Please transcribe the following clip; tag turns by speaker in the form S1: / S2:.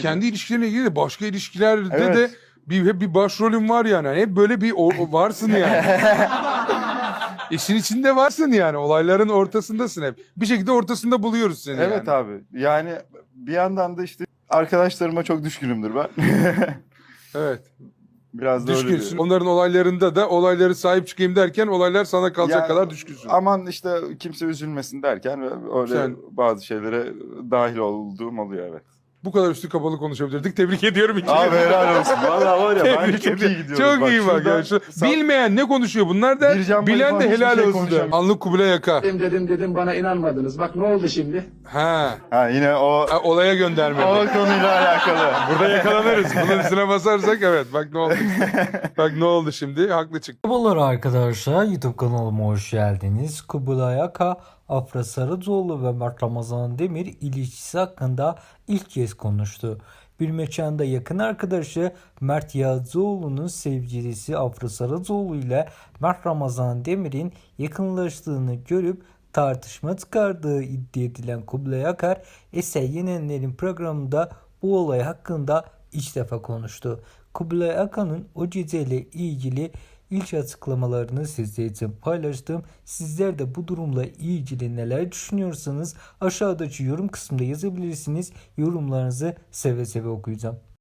S1: Kendi ilişkilerine ilgili de başka ilişkilerde
S2: Evet.
S1: de hep bir başrolün var yani. Hep böyle bir varsın yani. İşin içinde varsın yani. Olayların ortasındasın hep. Bir şekilde ortasında buluyoruz seni
S2: Evet
S1: yani.
S2: abi. Yani bir yandan da işte arkadaşlarıma çok düşkünümdür ben.
S1: Evet.
S2: Biraz da öyle
S1: Düşkünsün.
S2: bir.
S1: Onların olaylarında da olayları sahip çıkayım derken olaylar sana kalacak
S2: Ya,
S1: kadar düşkünsün.
S2: aman işte kimse üzülmesin derken öyle
S1: Sen-
S2: bazı şeylere dahil olduğum oluyor, evet.
S1: Bu kadar üstü kapalı konuşabilirdik. Tebrik ediyorum ikinizi.
S2: Abi helal olsun. Vallahi var ya bence
S1: Tebrik
S2: çok
S1: ediyorum.
S2: iyi gidiyoruz.
S1: Çok iyi bak.
S2: şuradan
S1: Ya. Bilmeyen ne konuşuyor bunlar da
S2: Bircan
S1: bilen
S2: Bayı
S1: de
S2: falan
S1: helal
S2: hiçbir şey
S1: olsun.
S2: konuşamıyor.
S1: Anlık Kubilay Yaka.
S3: Dedim bana inanmadınız. Bak ne oldu şimdi?
S1: Ha.
S2: Ha yine o
S1: Olaya göndermedi.
S2: konuyla alakalı.
S1: Burada yakalanırız. Bunun üstüne basarsak evet. Bak ne oldu. Bak ne oldu şimdi. Haklı çıktı.
S4: Merhabalar arkadaşlar, YouTube kanalıma hoş geldiniz. Kubilay Aka, Afra Sarıcıoğlu ve Mert Ramazan Demir ilişkisi hakkında ilk kez konuştu. Bir mekanda yakın arkadaşı Mert Yağcıoğlu'nun sevgilisi Afra Sarıcıoğlu ile Mert Ramazan Demir'in yakınlaştığını görüp tartışma çıkardığı iddia edilen Kubilay Akar, Eser Yenenler'in programında bu olay hakkında ilk defa konuştu. Kubilay Akan'ın o geceyle ilgili ilk açıklamalarını sizler için paylaştım. Sizler de bu durumla ilgili neler düşünüyorsanız aşağıdaki yorum kısmında yazabilirsiniz. Yorumlarınızı seve seve okuyacağım.